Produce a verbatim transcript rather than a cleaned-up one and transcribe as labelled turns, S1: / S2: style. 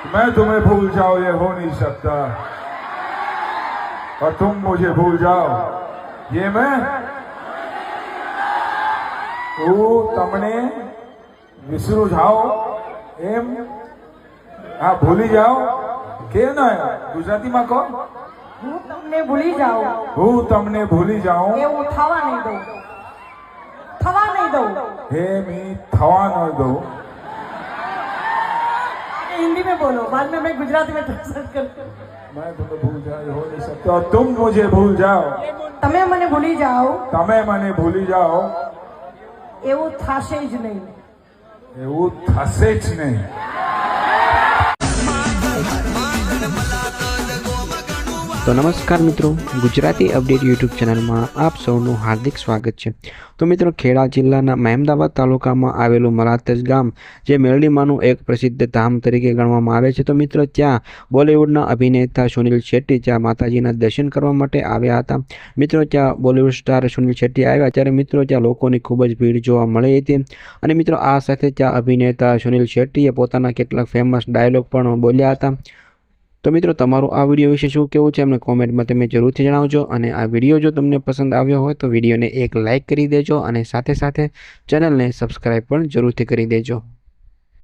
S1: मैं तुम्हें भूल जाऊं ये हो नहीं सकता, और तुम मुझे भूल जाओ ये मैं હું તમને વિસરું જાઓ એમ હા ભૂલી જાઓ કે ના ગુજરાતીમાં કહો
S2: હું તમને ભૂલી જાઉં
S1: હું તમને ભૂલી જાઉં
S2: એવું થવા નહીં દઉં થવા નહીં દઉં
S1: હે मी થવા ન દઉં।
S2: हिंदी में बोलो, बाद में मैं गुजराती में ट्रांसलेट कर।
S1: मैं तुम्हें भूल जाओ हो नहीं सकता, और तुम मुझे भूल जाओ
S2: તમે મને ભૂલી જાઓ
S1: તમે મને ભૂલી જાઓ
S2: એવું થશે જ નહીં।
S1: એવું થશે જ નહીં।
S3: તો નમસ્કાર મિત્રો, ગુજરાતી અપડેટ યુટ્યુબ ચેનલમાં આપ સૌનું હાર્દિક સ્વાગત છે। તો મિત્રો, ખેડા જિલ્લાના મહેમદાવાદ તાલુકામાં આવેલું મલાતજ ગામ જે મેરડીમાંનું એક પ્રસિદ્ધ ધામ તરીકે ગણવામાં આવે છે। તો મિત્રો, ત્યાં બોલિવૂડના અભિનેતા સુનિલ શેટ્ટી ત્યાં માતાજીના દર્શન કરવા માટે આવ્યા હતા। મિત્રો, ત્યાં બોલિવૂડ સ્ટાર સુનિલ શેટ્ટી આવ્યા ત્યારે મિત્રો ત્યાં લોકોની ખૂબ જ ભીડ જોવા મળી હતી। અને મિત્રો, આ સાથે ત્યાં અભિનેતા સુનિલ શેટ્ટીએ પોતાના કેટલાક ફેમસ ડાયલોગ પણ બોલ્યા હતા। તો મિત્રો, તમારું આ વિડીયો વિશે શું કહેવું છે અમને કોમેન્ટમાં તમે જરૂરથી જણાવજો। અને આ વિડીયો જો તમને પસંદ આવ્યો હોય તો વિડીયોને એક લાઇક કરી દેજો અને સાથે સાથે ચેનલને સબસ્ક્રાઈબ પણ જરૂરથી કરી દેજો।